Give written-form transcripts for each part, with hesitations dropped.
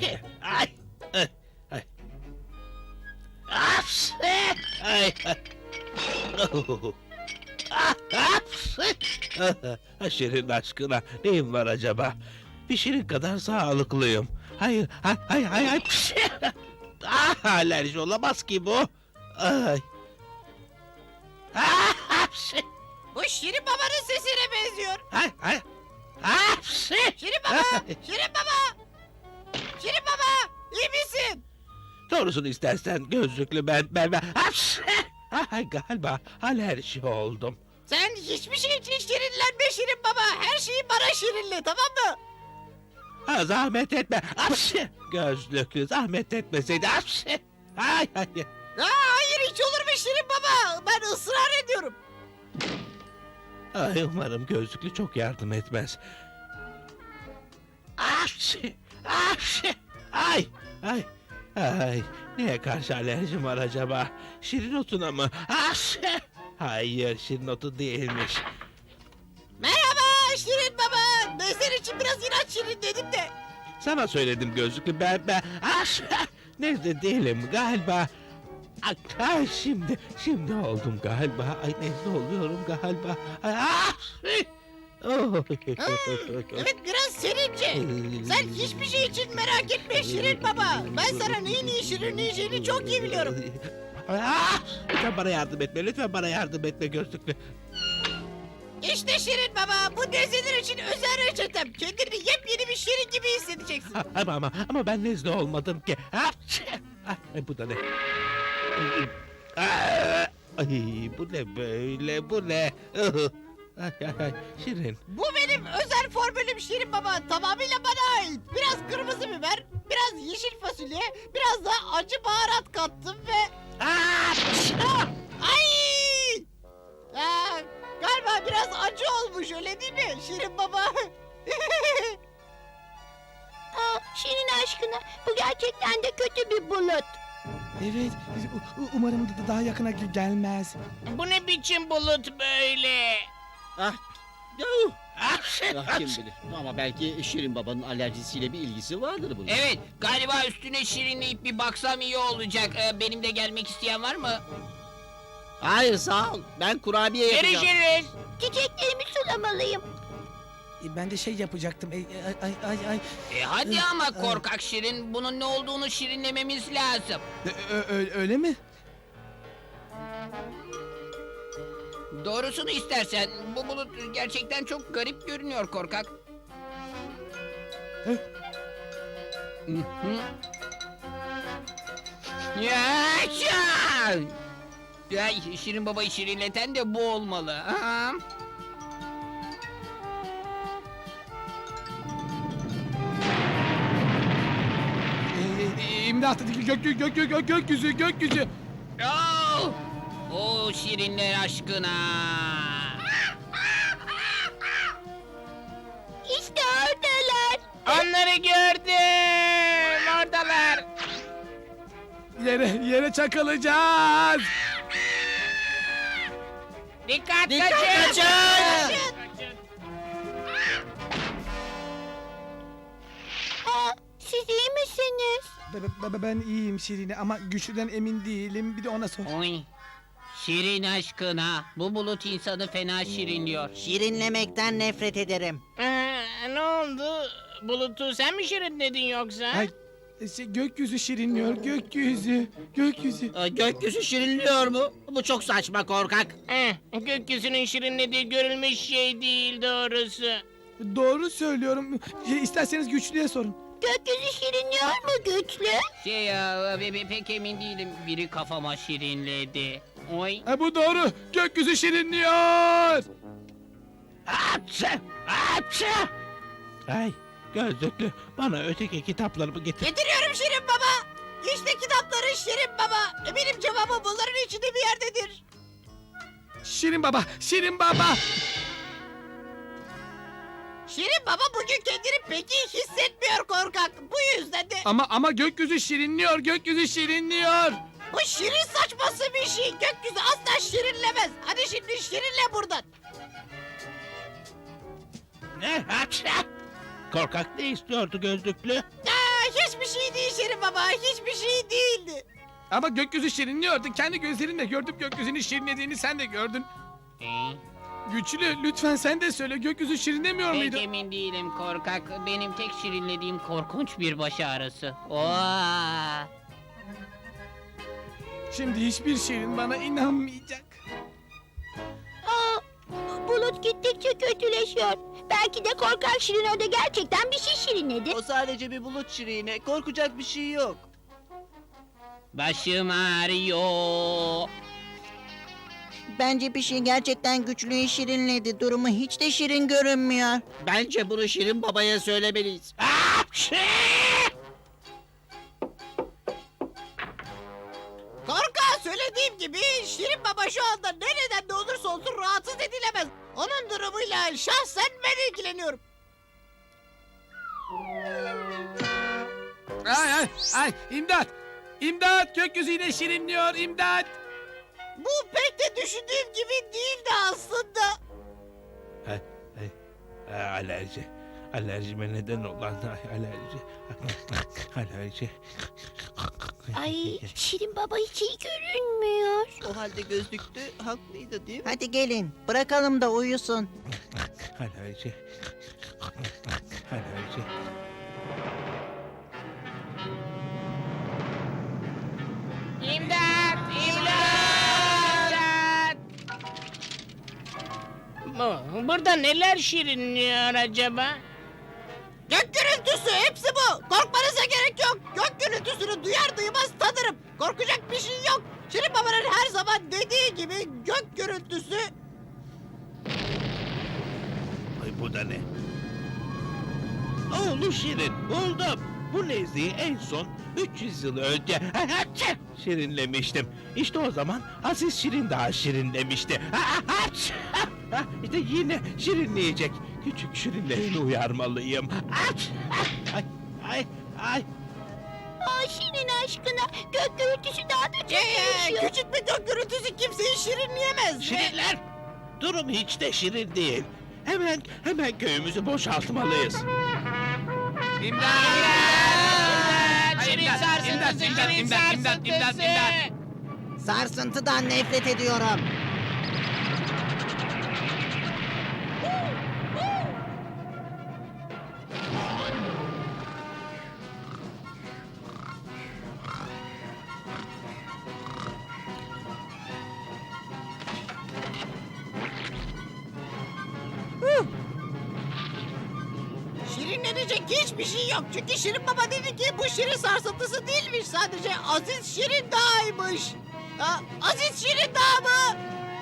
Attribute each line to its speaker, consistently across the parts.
Speaker 1: Hapşi! Ay! Ay! Ay! Hapşi! Ay! Ay! Oh! Ah, hapşi! Ah, Şirin aşkına neyim var acaba? Bir şirin kadar sağlıklıyım. Hayır, hayır, hayır, hayır. Pşi! Ah, alerji olamaz ki bu. Ay. Ah, hapşi!
Speaker 2: Bu Şirin Baba'nın sesine benziyor.
Speaker 1: Hay, hay. Hapşi!
Speaker 2: Şirin Baba! Şirin Baba! Şirin Baba! İyi misin?
Speaker 1: Doğrusunu istersen gözlüklü ben. Hapşi! Ay, galiba alerji oldum.
Speaker 2: Sen hiçbir şey için şirinlenme Şirin Baba. Her şeyi bana şirinle, tamam mı?
Speaker 1: Ha, zahmet etme. Hapşi! Gözlüklü zahmet etmeseydi. Hapşi! Ay, ay.
Speaker 2: Hayır, hiç olur mu Şirin Baba? Ben ısrar ediyorum.
Speaker 1: Ay, umarım gözlüklü çok yardım etmez. Hapşi! Hapşi! Ay! Ay! Ay! Neye karşı alerjim var acaba? Şirin otuna mı? Hapşi! Hayır, şirin otu değilmiş.
Speaker 2: Merhaba Şirin Baba. Ben senin için biraz inat şirin dedim de.
Speaker 1: Sana söyledim gözlüklü ben. Hapşi! Nezle değilim galiba. Ay, şimdi oldum galiba. Ay, nezle oluyorum galiba. Ay, hapşi! Oh.
Speaker 2: Evet, biraz serince. Sen hiçbir şey için merak etme Şirin Baba. Ben sana neyin iyi şirinleyeceğini çok iyi biliyorum.
Speaker 1: Ah! Lütfen bana yardım etme, lütfen bana yardım etme gözlüklü.
Speaker 2: İşte Şirin Baba, bu nezleler için özel reçetem. Kendini yepyeni bir şirin gibi hissedeceksin.
Speaker 1: Ama ben nezle olmadım ki. Hapşi! Ay, bu da ne? Ay, bu ne böyle, bu ne? Ay, Şirin.
Speaker 2: Bu benim özel formülüm Şirin Baba. Tamamıyla bana ait. Biraz kırmızı biber, biraz yeşil fasulye, biraz da acı baharat kattım ve...
Speaker 1: Hapşi!
Speaker 2: Ay! Galiba biraz acı olmuş, öyle değil mi Şirin Baba?
Speaker 3: Şirin aşkına, bu gerçekten de kötü bir bulut.
Speaker 4: Evet, umarım daha yakına gelmez.
Speaker 5: Bu ne biçim bulut böyle?
Speaker 1: Hapşi!
Speaker 6: Kim bilir. Ama belki Şirin Baba'nın alerjisiyle bir ilgisi vardır bunun.
Speaker 5: Evet, galiba üstüne şirinleyip bir baksam iyi olacak. Benim de gelmek isteyen var mı?
Speaker 6: Hayır sağ ol. Ben kurabiye yapacağım.
Speaker 5: Görüşürüz.
Speaker 3: Çiçeklerimi sulamalıyım.
Speaker 4: Ben de şey yapacaktım. Ay.
Speaker 5: Hadi ama korkak şirin, bunun ne olduğunu şirinlememiz lazım.
Speaker 4: Öyle mi?
Speaker 5: Doğrusunu istersen, bu bulut gerçekten çok garip görünüyor korkak.
Speaker 4: Hı?
Speaker 5: Hı. Yaşa! Ay, Şirin Baba'yı şirinleten de bu olmalı. Aha.
Speaker 4: İmdat! Gökyüzü!
Speaker 5: Oh! O şirinler aşkına.
Speaker 3: İşte oradalar.
Speaker 5: Onları gördüm. Oradalar.
Speaker 4: Yere çakılacağız.
Speaker 5: Dikkat
Speaker 6: kaçın!
Speaker 3: Siz iyi misiniz?
Speaker 4: Ben iyiyim Şirin'e ama güçlüden emin değilim. Bir de ona sor.
Speaker 5: Oy. Şirin aşkına. Bu bulut insanı fena şirinliyor.
Speaker 2: Şirinlemekten nefret ederim.
Speaker 5: Ne oldu? Bulutu sen mi şirinledin yoksa?
Speaker 4: Ay, gökyüzü şirinliyor. Gökyüzü.
Speaker 6: Gökyüzü şirinliyor mu? Bu çok saçma korkak.
Speaker 5: Gökyüzünün şirinlediği görülmüş şey değil doğrusu.
Speaker 4: Doğru söylüyorum. İsterseniz güçlüye sorun.
Speaker 3: Gökyüzü şirinliyor mu güçlü?
Speaker 5: Şey ya, pek emin değilim. Biri kafama şirinledi. Oy.
Speaker 4: Bu doğru. Gökyüzü şirinliyor.
Speaker 1: Hapşi! Hapşi! Ay, gözlüklü bana öteki kitaplarımı getir.
Speaker 2: Getiriyorum Şirin Baba. İşte kitapların Şirin Baba. Eminim cevabı bunların içinde bir yerdedir.
Speaker 4: Şirin Baba.
Speaker 2: Şirin Baba bugün kendini pek iyi hissetmiyor korkak. Bu yüzden de
Speaker 4: Ama gökyüzü şirinliyor.
Speaker 2: bu şirin saçması bir şey. Gökyüzü asla şirinlemez. Hadi şimdi şirinle buradan.
Speaker 1: Ne? Hapşi! Korkak ne istiyordu gözlüklü?
Speaker 2: hiçbir şey değil Şirin Baba. Hiçbir şey değildi.
Speaker 4: Ama gökyüzü şirinliyordu. Kendi gözlerinle gördüm gökyüzünün şirinlediğini sen de gördün. Güçlü lütfen sen de söyle gökyüzü şirinlemiyor
Speaker 5: Pek
Speaker 4: muydu?
Speaker 5: emin değilim korkak. Benim tek şirinlediğim korkunç bir baş ağrısı. Oo.
Speaker 4: Şimdi hiçbir şirin bana inanmayacak.
Speaker 3: Aa, bulut gittikçe kötüleşiyor. Belki de korkak Şirin orada gerçekten bir şey şirinledi.
Speaker 6: O sadece bir bulut şirine. Korkacak bir şey yok.
Speaker 5: Başım ağrıyor.
Speaker 7: Bence bir şey gerçekten güçlüyü şirinledi. Durumu hiç de şirin görünmüyor.
Speaker 6: Bence bunu Şirin Baba'ya söylemeliyiz.
Speaker 2: Korkak söylediğim gibi Şirin Baba şu anda nereden de olursa olsun rahatsız edilemez. Onun durumuyla şahsen ben ilgileniyorum.
Speaker 4: Ay imdat! İmdat gökyüzü yine şirinliyor imdat!
Speaker 2: Bu pek de düşündüğüm gibi değildi aslında.
Speaker 1: Alerji. Alerjime neden olan alerji. Alerji.
Speaker 3: Ay, Şirin Baba hiç iyi görünmüyor.
Speaker 6: O halde gözlüklü haklıydı değil mi?
Speaker 7: Hadi gelin bırakalım da uyusun.
Speaker 1: Alerji. Alerji.
Speaker 5: İmdat! İmdat! Burada neler şirinliyor acaba?
Speaker 2: Gök gürültüsü hepsi bu. Korkmanıza gerek yok. Gök gürültüsünü duyar duymaz tanırım. Korkacak bir şey yok. Şirin Baba'nın her zaman dediği gibi gök gürültüsü.
Speaker 1: Ay bu da ne? Oğlu Şirin buldum. Bu nezleyi en son 300 yıl önce şirinlemiştim. İşte o zaman Aziz Şirin daha şirinlemişti. İşte yine şirinleyecek. Küçük şirinlerini uyarmalıyım. Ay ay ay.
Speaker 3: Aa, Şirin aşkına gök gürültüsü daha da kötüleşiyor.
Speaker 2: Küçük bir gök gürültüsü kimseyi şirinleyemez.
Speaker 1: Şirinler, durum hiç de şirin değil. Hemen köyümüzü boşaltmalıyız.
Speaker 5: İmdat! Şirin sarsıntısı, şirin sarsıntısı!
Speaker 7: Sarsıntıdan nefret ediyorum.
Speaker 2: Şirinlenecek hiçbir şey yok. Çünkü Şirin Baba dedi ki bu şirin sarsıntısı değilmiş. Sadece Aziz Şirin Dağ'ymış. Ha, Aziz Şirin Dağ mı?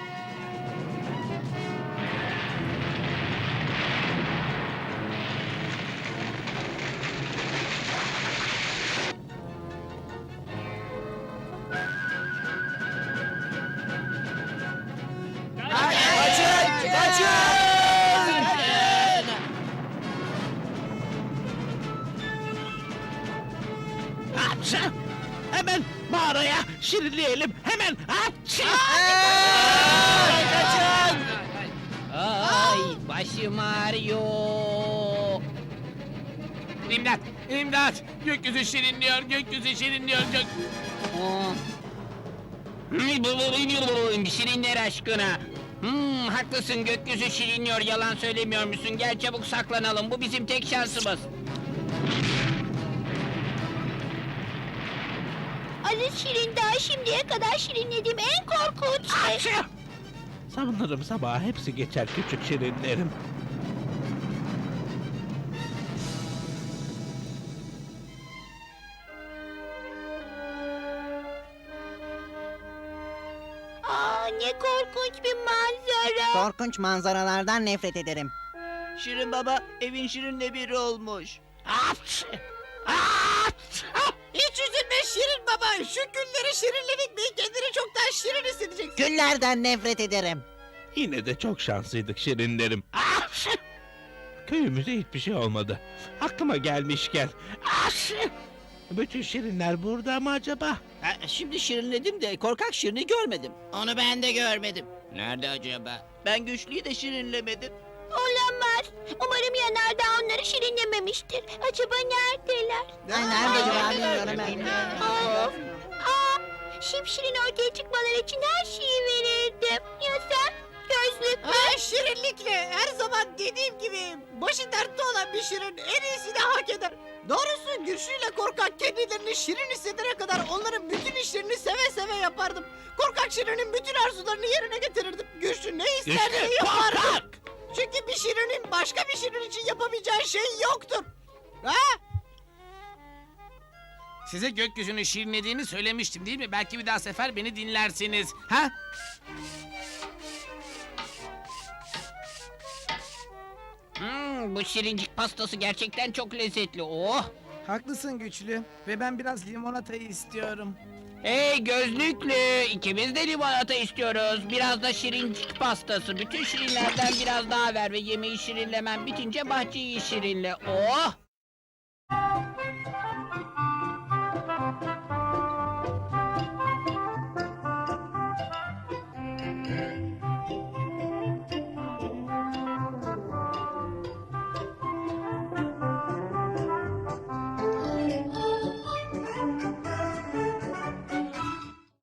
Speaker 1: Hapşa! Hemen mağaraya şirinleyelim. Hemen hapşa!
Speaker 5: Ay, başım ağrıyor.
Speaker 4: İmdat! İmdat! Gökyüzü şirinliyor gökyüzü şirinliyor
Speaker 5: Oh. Şirinler aşkına. Haklısın gökyüzü şirinliyor yalan söylemiyor musun? Gel çabuk saklanalım bu bizim tek şansımız.
Speaker 3: Aziz Şirin daha şimdiye kadar şirinlediğim en korkunç şey.
Speaker 1: Hapşa! Sanırım sabah hepsi geçer küçük şirinlerim.
Speaker 3: Aa, ne korkunç bir manzara.
Speaker 7: Korkunç manzaralardan nefret ederim.
Speaker 6: Şirin Baba evin Şirin'le biri olmuş.
Speaker 1: Hapşa! Hapşa!
Speaker 2: Hiç üzülme Şirin Baba. Şu günleri şirinledik mi kendini çoktan şirin hissedeceksin.
Speaker 7: Güllerden nefret ederim.
Speaker 1: Yine de çok şanslıydık şirinlerim. Hapşa! Köyümüze hiçbir şey olmadı. Aklıma gelmişken. Hapşa! Bütün şirinler burada mı acaba?
Speaker 6: Ha, şimdi şirinledim de korkak Şirin'i görmedim.
Speaker 2: Onu ben de görmedim.
Speaker 5: Nerede acaba?
Speaker 6: Ben güçlüyü de şirinlemedim.
Speaker 3: Olamaz. olamaz. Umarım yanardağ onları şirinlememiştir. Acaba neredeler?
Speaker 7: Ay, nerede acaba bilmiyorum ben.
Speaker 3: Of! Şipşirin ortaya çıkmaları için her şeyi verirdim. Ya sen? Gözlük mü?
Speaker 2: Şirinlikle her zaman dediğim gibi başı dertte olan bir şirin en iyisini hak eder. Doğrusu Güçlü ile Korkak kendilerini şirin hissedene kadar onların bütün işlerini seve seve yapardım. Korkak Şirin'in bütün arzularını yerine getirirdim. Güçlü ne isterse
Speaker 1: Güçlü,
Speaker 2: yapardım.
Speaker 1: korkak!
Speaker 2: Çünkü bir şirinin başka bir şirin için yapamayacağı şey yoktur. Ha?
Speaker 4: Size gökyüzünü şirinlediğini söylemiştim değil mi? Belki bir daha sefer beni dinlersiniz. Ha?
Speaker 5: Bu şirincik pastası gerçekten çok lezzetli. Oh!
Speaker 4: Haklısın Güçlü. Ve ben biraz limonatayı istiyorum.
Speaker 5: Hey gözlüklü, ikimiz de limonata istiyoruz. Biraz da şirincik pastası. Bütün şirinlerden biraz daha ver ve yemeği şirinlemen bitince bahçeyi şirinle. Oh!